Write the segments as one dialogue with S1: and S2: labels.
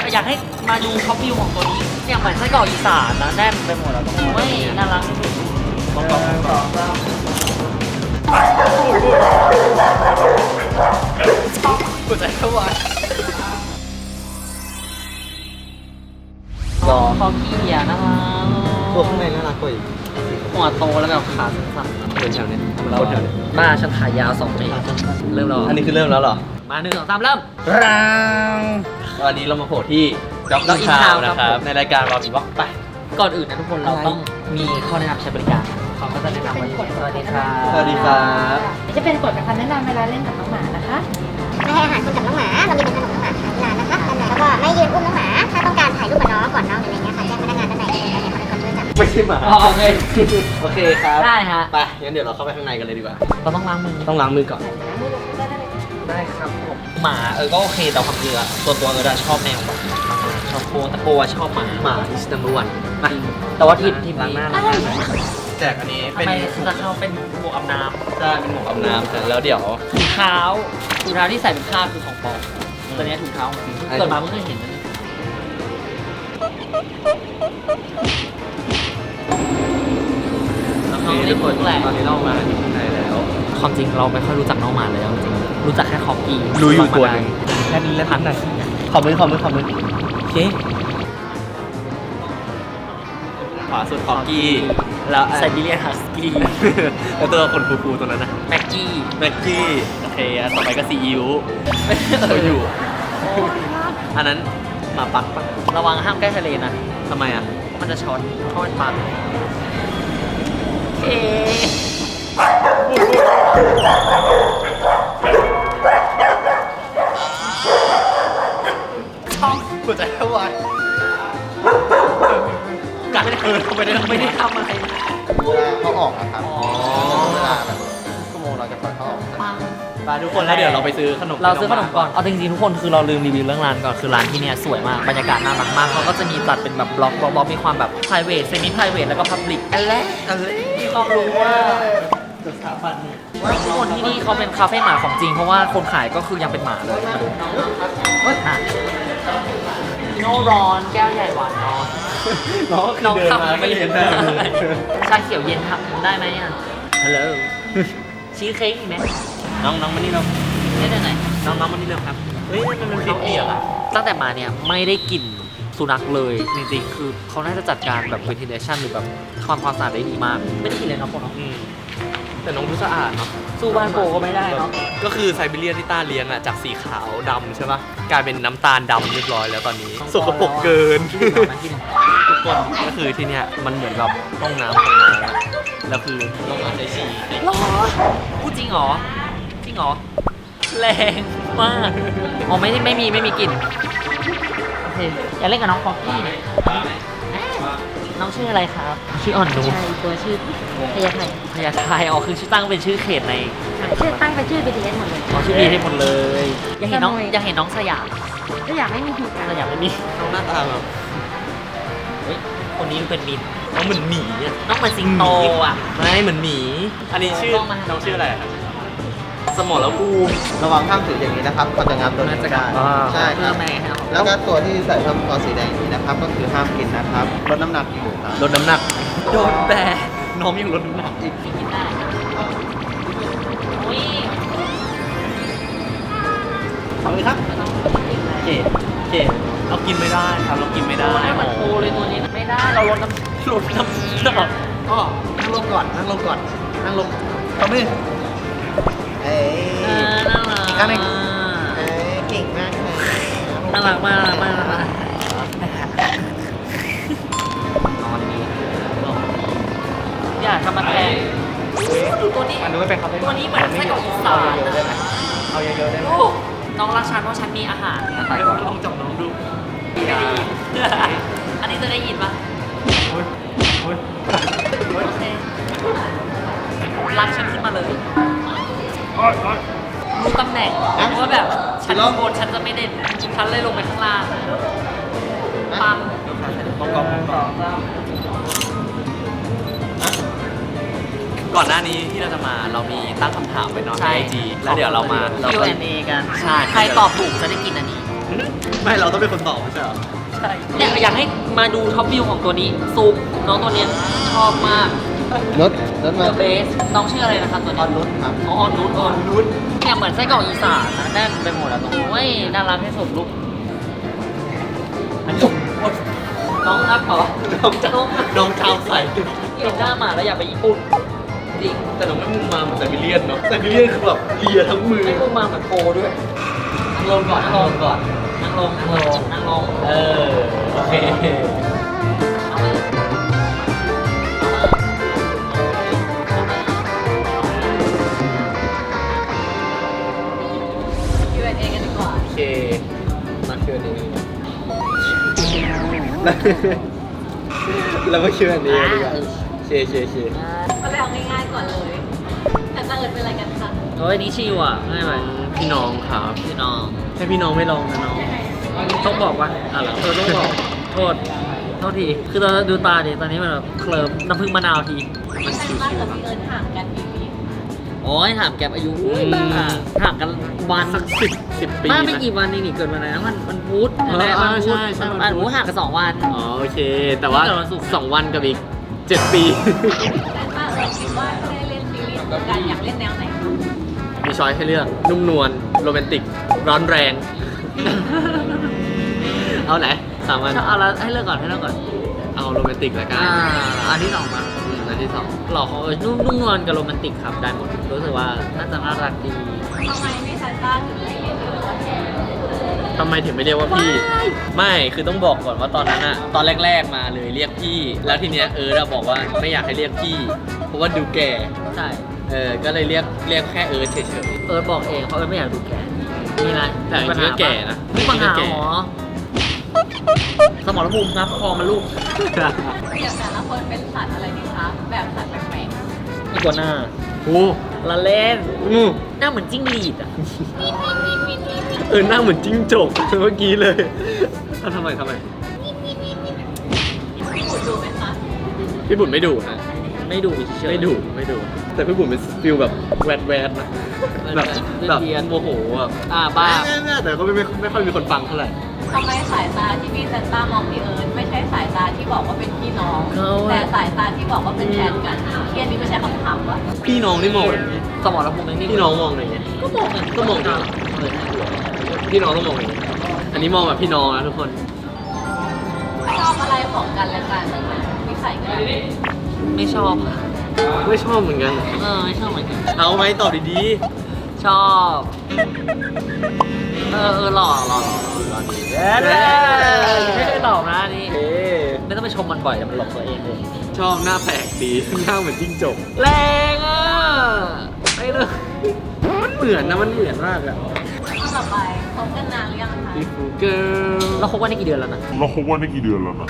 S1: อยากให้มาดูท็อปวิวของตัวนี้เนี่ยเหมือนไส้กรอกอีสานนะแน่นไปหมดแล้วตรงนี้ไม่น่ารักที่สุดกูใจเข้าไว้คอกี้อ่ะนะคะ
S2: ตัวข้างในน่ารักกว่าอีก
S1: หัวโตแล้วแบบขาสั้น
S2: เป็นแถวนี้
S1: ๆ
S2: คนแถวนี้
S1: บ้าฉันขายาว2 เมตรเริ่มแล้ว
S2: อันนี้คือเริ่มแล้วเหรอ
S1: มา1 2 3เริ่ม
S2: วันนี้เรามาโผล่ที่จ็อกกิ้งทาวน์นะครับในรายการเรามีว่าไป
S1: ก่อนอื่นนะทุกคนเราต้องมีข้อแนะนำใช้บริการเขาก็จะแนะนำว่าสวัสดีครับ
S2: สวัสดีครับ
S3: จะเป็นกฎกับคำแนะนำเวลาเล่นกับน้องหมานะคะ
S4: ไม่ให้อาหารคนกับน้องหมา เรามีเป็นขนมน้องหมาขายที่ร้านนะคะแล้วก็ไม่ยืนอุ้มน้องหมา ถ้าต้องการถ่ายรูปกับน้องก่อนน้องหรืออะไรเงี้ยค่ะแจ้งพนักงานด้านในได้เลยเขาเป็นคนช่วยจับ
S2: ไม่ใช่หมา
S1: โอเค
S2: โอเคครับ
S1: ได้ฮะ
S2: ไปงั้นเดี๋ยวเราเข้าไปข้างในกันเลยดีกว่า
S1: เราต้องล้างมือ
S2: ต้องล้างมือก่อน
S1: ได้ครับผมหมาก็โอเคแต่ความจริงอะตัวชอบแมวแบบชอบโคแต่โคชอบหมา
S2: หมา is number one มา
S1: แต่ว่าทีม
S2: ล้างหน้า
S1: นี้
S2: แจกอันนี้
S1: ทำ
S2: เป็น
S1: ไมจะเข้าเป็นหมวกอาบน้
S2: ใช่เป็นหมวกอาบน้ำแล้วเดี๋ยว
S1: ำถุงเท้าที่ใส่เป็นผ้าคือของปลอมตัวนี้ถุงเท้าของจริงเกิดมาเพิ่งเคยเห็นนะน้องเล่นแหละ
S2: ตอนนี้เรามาที่ข้างในแล้ว
S1: ความจริงเราไม่ค่อยรู้จักน้องหมาเลยจริงๆรู้จักแค่คอกี้
S2: รู้อยู่ตัวหนึงแค่นี้แล้วพักหน่อยขอบมือโอเคขวาสุดคอกี้แล้ว
S1: ไซบีเรียนฮัสกี้
S2: แล้วตัวคนฟูๆตัวนั้นนะ
S1: แม็กกี้
S2: แม็กกี้โอเคต่อไปก็ซีอิ๊วเขาอยู่ อันนั้นหมาปักปะ
S1: ระวังห้ามใกล้ทะเลนะ
S2: ทำไมอ่ะ
S1: มันจะช็อตเพราะมันปังเอ
S2: หัวใจวายกัดไม่ได้ทำอะไร
S5: เวลาเขาออกนะครับ
S1: อ๋อ
S5: เวลาแบบชั่วโมงเราจะปล่อยเขาออก
S1: ปัง
S2: ไปทุกคนแล้วเดี๋ยวเราไปซื้อขนม
S1: เราซื้อขนมก่อน เอาจริงๆทุกคนคือเราลืมรีวิวเรื่องร้านก่อน คือร้านที่เนี่ยสวยมาก บรรยากาศน่ารักมาก เขาก็จะมีจัดเป็นแบบบล็อกมีความแบบ private semi private แล้วก็ public อะไรที่เขารู้ว่าสถาบันเนี่ยทุกคนที่นี่เขาเป็นคาเฟ่หมาของจริง เพราะว่าคนขายก็คือยังเป็นหมาเลยมาดูอ่ะโนร้อนแก้วใหญ่หวานน้อย
S2: น้องเดินมาไม่เห็นหน้าเลย
S1: ชาเขียวเย็นทำได้ไหมอ่ะ ฮัลโหล ชีสเค้กอีกไหม
S2: น้องมานี่เรา
S1: ได้ไหน
S2: น้องมานี่เร็วครับเฮ้ยมันเปียกๆอ่ะ
S1: ตั้งแต่มาเนี่ยไม่ได้กลิ่นสุนัขเลยจริงๆคือเขาน่าจะจัดการแบบ ventilation หรือแบบความสะอาดได้ดีมาก ไม่ได้กลิ่นเลยเนาะพวกน้อง
S2: แต่น้องดูสะอาดเนาะ
S1: สู้บ้านโปก็ไม่ได้เนาะ
S2: ก็คือไซบีเรียนที่ต้าเลี้ยงอ่ะจากสีขาวดำใช่ปะกลายเป็นน้ำตาลดำเรียบร้อยแล้วตอนนี้สกปรกเกิน ทุกคนก็คือที่เนี้ยมันเหมือนแบบห้องน้ำของน้องอะแล้วคือน้องอาจจะฉี่
S1: หรอพูดจริงเหรอ จริงเหรอ แรงมากอ๋อไม่มีกลิ่นโอเคอย่าเล่นกับน้องฟอกกี้น้องชื่ออะไรครับ ชื่ออ่อนนุ
S3: ใช่ตัวชื่อพยาไทย
S1: พญาไทอ๋อคือชื่อตั้งเป็นชื่อเขตใน
S3: ชื่อตั้งเป็นชื่อ BTS หมดเลย
S1: อ๋อชื่อบีให้หมดเลยอยากเห็นน้องสยาม
S3: ก็อยากให้มีหีบกัน
S1: สยามไม่มี
S2: น้องหน้าตาแบบ
S1: เฮ้ยคนนี้เป็นมิน
S2: น้องเหมือนหมีอ่ะ
S1: น้องเหมือนสิงโตอ่ะ
S2: ไม่เหมือนหมี อันนี้ชื่อ
S1: ต้องมา
S2: น้องชื่ออะไรครับสมอแล้วภูมิ
S5: ระวังห้ามถืออย่างนี้นะครับเขาจะงับตัวนี้ไม่ได้ ใช่ครับ
S1: แม่ครับ
S5: แล้วก็ตัวที่ใส่ผ้ามังกรสีแดงนี้นะครับ ก็คือห้ามกินนะครับลดน้ำหนักอยู่ครับ
S2: ลดน้ำหนักโดนแบน้องยังลดน้ำหนักอีก
S1: กินได้อุ้ย
S2: เอาเลยครับเกดเรากินไม่ได้ครับเรากินไม่ได้
S1: ให้มันโตเลยตัวนี้ไม่ได้เราลดน้ำ
S2: ลดน้ำหนัก
S5: ก็นั่งลงก่อนนั่งลงเขาไม่เอ้ย
S1: น่ารัก
S5: อีกครั้งหนึ่ง เอ้ยเก่งมากเลย
S1: น่ารักมากนอนนี้อยากทำมันแพงตัวนี้
S2: มันดูไม่เป็นครับ
S1: ตัวนี้เหมือนไส้กรอกอีสาน
S2: เอาเยอะๆได้ไหม
S1: โอ้น้องรักฉันเพราะฉันมีอาหาร
S2: ลองจับน้องดู
S1: ไม่ได้ยินอันนี้จะได้ยินปะโอเครักฉันขึ้นมาเลยรู้ตำแหน่งว่าแบบฉันข้างบนฉันจะไม่เด่นฉันเลยลงไปข้างล่างปัง
S2: ก่อนหน้านี้ที่เราจะมาเรามีตั้งคำถามไว้เนอนในไอจีแล้วเดี๋ยวเรามา
S1: Q&A กัน
S2: ใช่
S1: ใครตอบถูกจะได้กินอันนี้
S2: ไม่เราต้องเป็นคนตอบไม่ใช่เหรอ
S1: ใช่เนี่ยอยากให้มาดูท็อปวิวของตัวนี้ซุปน้องตัวเนี้ยชอบมาก
S5: รถมา
S1: เดอะเบสน้องชื่ออะไรนะคะตัว
S5: อ
S1: นี้
S5: อนนุชครับ
S1: อ๋อออนนุชเนี่ยเหมือนไส้กรอกอีสานนะแน่นไปหมดอะตรงนี้โอ้ยน่ารักที่สุดลูกอันนี้น้องรักเหรอ
S2: น้องชาวใส่
S1: เห็นหน้าหมาแล้วอยากไปญี่ปุ่นจริง
S2: แต่น้องไม่มุ่งมาเหมือนไซบีเรียนเนาะไซบีเรียนคือแบบเลียทั้งมือ
S1: ไม่พูดมาเหมือนโปด้วยนั่งลงก่อนนั่งลงก่อนนั่งลงนั่งลงนั่งลง
S2: โอเค
S3: Q&A กันดีกว่า
S2: โอเคมาคิวนี้แล้วก็คิวนี้ดีกว่าเช
S3: ก็เลยเอาง่ายๆก่อนเลยแต่ตั้งเอิญเป็นอะไรกันคะ
S1: โอ้ยนี่ชิวอ่ะง่ายไหม
S2: พี่น้องครับ
S1: พี่น้อง
S2: ให้พี่น้องไม่ลองนะน้อง
S1: ต้องบอกว่าอะไรต้องบอกโทษทีคือตอนดูตาดิตอนนี้มันแบบเคลิ้มน้ำผึ้งมะนาวที
S2: มันชิว
S3: ตั้งกับพี่เอิญห่างกันกี่ปี
S1: โอ้ยถามแกอายุอุ้ยบ้าห่างกันวัน
S2: สัก10 ปี
S1: บ้าไม่
S2: นะ
S1: กี่วันนี่เกิดวันอะไรนะมันพุธ
S2: ใช่ใช่
S1: มันพุธห่างกัน2 วัน
S2: อ๋อโอเค แต่ว่า
S1: เกิดวันศุกร์
S2: 2 วันกับอีก 7 ปี
S3: แต่ตั้งเอิญคิดว่าถ้าได้เล่นซีรีส์คู่กันอยากเล่นแนวไหน
S2: มีช้อยให้เลือก นุ่มนวล โรแมนติก ร้อนแรง เอาไหน3 วัน
S1: เอาละให้เลือกก่อนให้เลือกก่อน
S2: เอาโรแมนติกแล้วกัน
S1: อันที่ 2 มา
S2: อันที่
S1: หล่อเขานุ่มนวลกับโรแมนติกครับได้หมดรู้สึกว่าน่าจะน่ารักดี
S3: ทำไมไม่ซันต้าถึงไม่เรียกพี่เอิญว่าแทน
S2: 2ทำไมถึงไม่เรียกว่าพี่ ไม่ คือต้องบอกก่อนว่าตอนนั้นอะตอนแรกๆมาเลยเรียกพี่ แล้วทีเนี้ยเราบอกว่าไม่อยากให้เรียกพี่ เพราะว่าดูแก่
S1: ใช่
S2: ก็เลยเรียกแค่เฉย
S1: บอกเองเพราะไม่อยากดูแก่มีอะไร
S2: แต่จริงๆก็แก่นะ
S1: มีปัญหา
S2: จริงๆก็แก่
S1: หรอสมองระบุงับคอมันลูก
S3: อย่างแต่ละคนเป็นสัตว์อะไรดีคะแบบสัตว์แปลก
S1: อีกัวหน้า
S2: โอ้
S1: ละเล่น
S2: อืม
S1: หน้าเหมือนจิ้งหรีดอ่ะ
S2: หน้าเหมือนจิ้งจกเมื่อกี้เลยทำไม
S3: ๆพี่ขุดดูไหมคะ
S2: พี่บุญไม่ดุนะ
S1: ไม่ดูเฉย
S2: ไม่ดุแต่พี่บุญเป็นฟิลแบบแวดนะแบบโมโหอ่ะ
S1: บ้า
S2: แต่ก็ไม่ค่อยมีคนฟังเท่าไหร่
S3: ทำไมสายตาที่พี่ซันต้ามองพี่เอิญไม่ใช่สายตาที่บอกว่าเป็นพี่น้อง แต่สายตาที่บอกว่าเป็นแฟนกันเครียดนี้ไม่ใช่คำถามวะ
S2: พี่น้องนี่มองแบบนี้
S1: สมองระบุนี่
S2: พี่น้องมองอะไรเงี้ย
S1: ก็มอง
S2: ก็มองอย่างนี้พี่น้องต้องมองอย่างนี้อันนี้มองแบบพี่น้องนะทุกคน
S3: ชอบอะไรของกันและกันนิสัยกัน
S1: ไม่ชอบ
S2: ไม่ชอบเหมือนกัน
S1: ไม่ชอบเหมือนกัน
S2: เอาไหมตอบดี
S1: ชอบหล่อดีไม่ได้หลอกนะนี่
S2: ๆเอ๊ะ
S1: ไม่ต้องไปชมมันบ่อยแต่มันหลอกตัวเองเลย
S2: ชอบหน้าแปลกดี หน้าเหมือนจิ้งจก
S1: แรงอ่ะไม่เลย
S2: มันเหมือนนะมันเหมือนมากอะ
S3: ข้อต่อไปคบกันนานหรือยังคะ
S2: พี่ฟูเกิล
S1: เราคบกันได้กี่เดือนแล้วนะ
S6: เราคบกันได้กี่เดือนแล้วนะ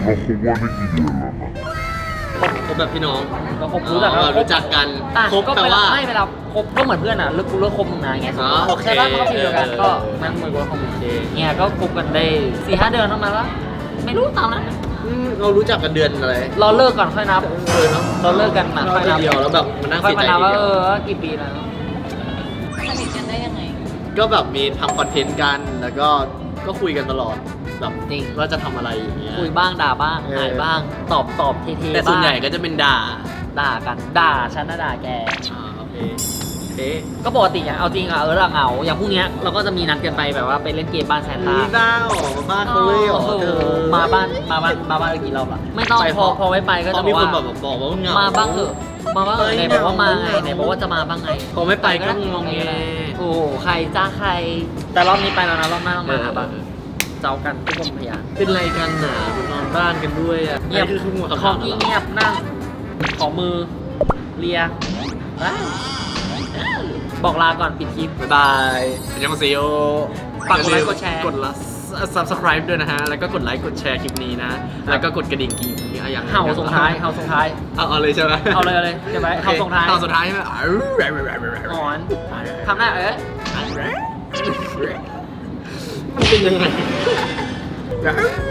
S2: คบแบบพี่น้อง
S1: เราคบรู้จัก
S2: รู้จักกัน คบ
S1: ก็
S2: แปล
S1: เวลา
S2: ว่า
S1: ไม่เวลาคบก็เหมือนเพื่อนอ่ะเลิกกูเลิกคบมึงนะอย่างเงี้ย
S2: อ๋อโอเค
S1: ใช่ป่ะมันก็ฟีลเดียวกันก็มันเหมือนกับคบมึงเนี่ยก็คบกันได้4-5 เดือนประมาณว่าไม่รู้ตามนั้น
S2: เรารู้จักกันเดือนอะไร
S1: เราเลิกก่อนค่อยนับ
S2: เนาะ
S1: เราเลิกกันมา
S2: เรา
S1: ค่อยนับ
S2: เดียวแล้วแบบมันนั่ง
S1: ค่อย
S2: เสีย
S1: มา
S2: ใจ
S1: นับ
S2: ที
S1: ว่า
S2: เดียว
S1: กี่ปีแล้ว
S3: สนิทกันได้ยังไง
S2: ก็แบบมีทำคอนเทนต์กัน แล้วก็คุยกันตลอดแบบ
S1: จริง
S2: ว่าจะทำอะไรอย่างเงี้ย
S1: คุยบ้างด่าบ้าง
S2: เออ
S1: หายบ้าง ตอบเท่ๆ
S2: แต่ส่วนใหญ่
S1: บ้าง
S2: ก็จะเป็นด่า
S1: ด่ากันด่าฉันนะด่าแก
S2: โอเคโอเค
S1: ก็ปกติอย่างเอาจริงอะเราเหงาอย่างพรุ่งเนี้ยเราก็จะมีนัดกันไปแบบว่าไปเล่นเกมบ้านแซนต้า
S2: นี่ด้าวมาบ้านเขาเลยเหรอ
S1: โอ้โห
S2: เธอ
S1: มาบ้านกี่รอบละไม่ต้อง
S2: ไป
S1: พอไว้ไปก็
S2: เขา
S1: จะบ
S2: มี
S1: อก
S2: คน
S1: ว่า
S2: แบบบอกว่าเหงา
S1: มา
S2: มา
S1: บ้างเถอะมาบ้างเถอะไหนบอกว่ามาไงไหนบอกว่าจะมาบ้างไง
S2: พอไม่ไปก็งงแง
S1: โอ้โหใครจ้าใคร แต่รอบนี้ไปแล้วนะรอบหน้าต้องมาหาบ้าง
S2: เออ
S1: เจ้ากันทุกคนพยาน
S2: เป็นไรกันหนานอนบ้านกันด้วยอ่ะ
S1: เงียบ
S2: อันนี้คือหมวด
S1: ข
S2: คำ
S1: อ
S2: ถาง ม
S1: เงียบนั่งขอมือเลียไปบอกลาก่อนปิดคลิป
S2: บ๊ายบายอันยองเซโอ
S1: ฝากกดไลค์กดแชร์
S2: กดละ subscribe ด้วยนะฮะ แล้วก็กดไลค์กดแชร์คลิปนี้นะ แล้วก็กดกระดิ่งกีอย่าง
S1: เห่าส่งท้ายเห่าส่งท้าย
S2: เอาเลยใช่ไหม
S1: เอาเลยใช่ไหมเห่าส่งท้าย
S2: เห่าส่งท้ายใช่ไหม
S1: หอนทำหน้า
S2: มันเป็นยังไง